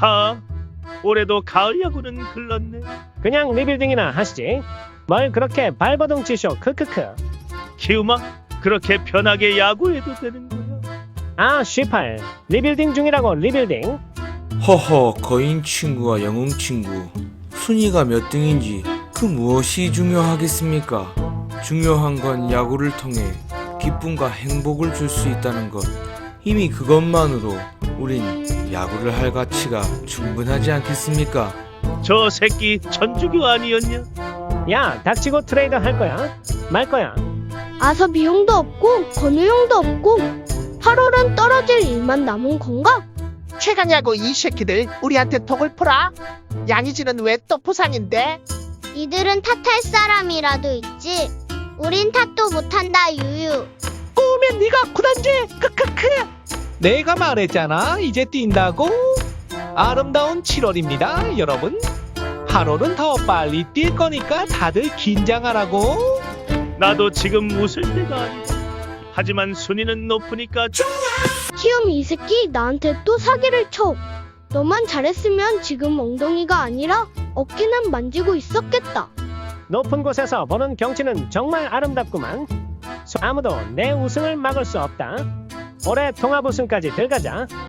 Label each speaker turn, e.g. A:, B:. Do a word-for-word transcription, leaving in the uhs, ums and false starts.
A: 하, 올해도 가을 야구는 글렀네.
B: 그냥 리빌딩이나 하시지. 뭘 그렇게 발버둥 치쇼. 크크크.
A: 키우마, 그렇게 편하게 야구해도 되는 거야?
B: 아 쥐팔. 리빌딩 중이라고. 리빌딩.
C: 허허, 거인 친구와 영웅 친구, 순위가 몇 등인지 그 무엇이 중요하겠습니까? 중요한 건 야구를 통해 기쁨과 행복을 줄 수 있다는 것. 이미 그것만으로 우린 야구를 할 가치가 충분하지 않겠습니까?
A: 저 새끼 천주교 아니었냐?
B: 야 닥치고 트레이드 할 거야? 말 거야?
D: 아서 비용도 없고 건우용도 없고 팔월은 떨어질 일만 남은 건가?
E: 최강야구 이 새끼들 우리한테 톡을 풀어. 양의지는 왜 또 부산인데?
F: 이들은 탓할 사람이라도 있지. 우린 탓도 못한다 유유.
E: 꼬우면 네가 구단지. 크크크.
G: 내가 말했잖아. 이제 뛴다고. 아름다운 칠월입니다 여러분. 팔월은 더 빨리 뛸 거니까 다들 긴장하라고.
A: 나도 지금 웃을 때가 아니다. 하지만 순위는 높으니까
D: 키움 이 새끼 나한테 또 사기를 쳐. 너만 잘했으면 지금 엉덩이가 아니라 어깨는 만지고 있었겠다.
B: 높은 곳에서 보는 경치는 정말 아름답구만. 아무도 내 우승을 막을 수 없다. 올해 통합 우승까지 들어가자.